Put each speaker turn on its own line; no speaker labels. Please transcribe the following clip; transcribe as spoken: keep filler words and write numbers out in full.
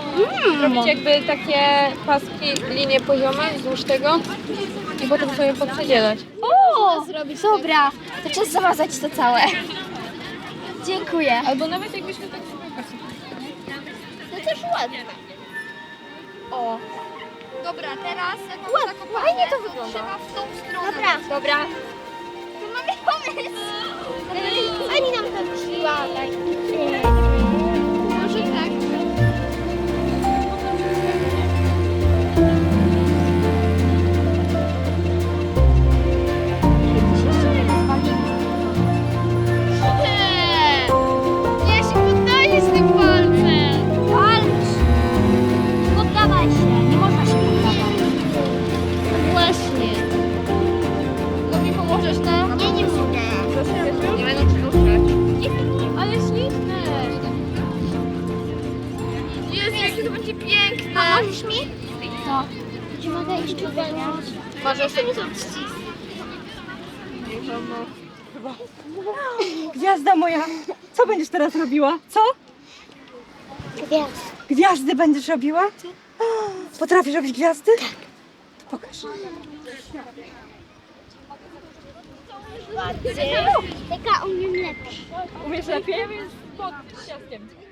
Zrobić jakby takie paski, linie poziome wzdłuż tego i potem sobie poprzedzielać.
O, dobra, to czas zamazać to całe. Dziękuję.
Albo nawet jakbyśmy tak sobie
No też ładnie. O. Dobra, teraz jak mam zakopane, fajnie to wygląda. Trzeba w tą stronę. Dobra. Dobra. To mamy pomysł. Pani nam to wyśliła. Może tak. Nie się poddaję z tym palcem. Walcz. Poddawaj się. Nie można się poddawać. Właśnie. To mi pomożesz, no? Nie, nie mogę.
Nie będą ci ruszać. Ale śliczne!
Jezu, jakie to będzie piękne. A możesz mi? No. Czy mogę iść tu weźmieć?
Możesz
To mi to odcisk.
Gwiazda moja, co będziesz teraz robiła? Co?
Gwiazd.
Gwiazdy będziesz robiła? Potrafisz robić gwiazdy? Tak. To pokaż.
Taka umiem lepiej.
Umiesz lepiej? Jest pod ciaskiem.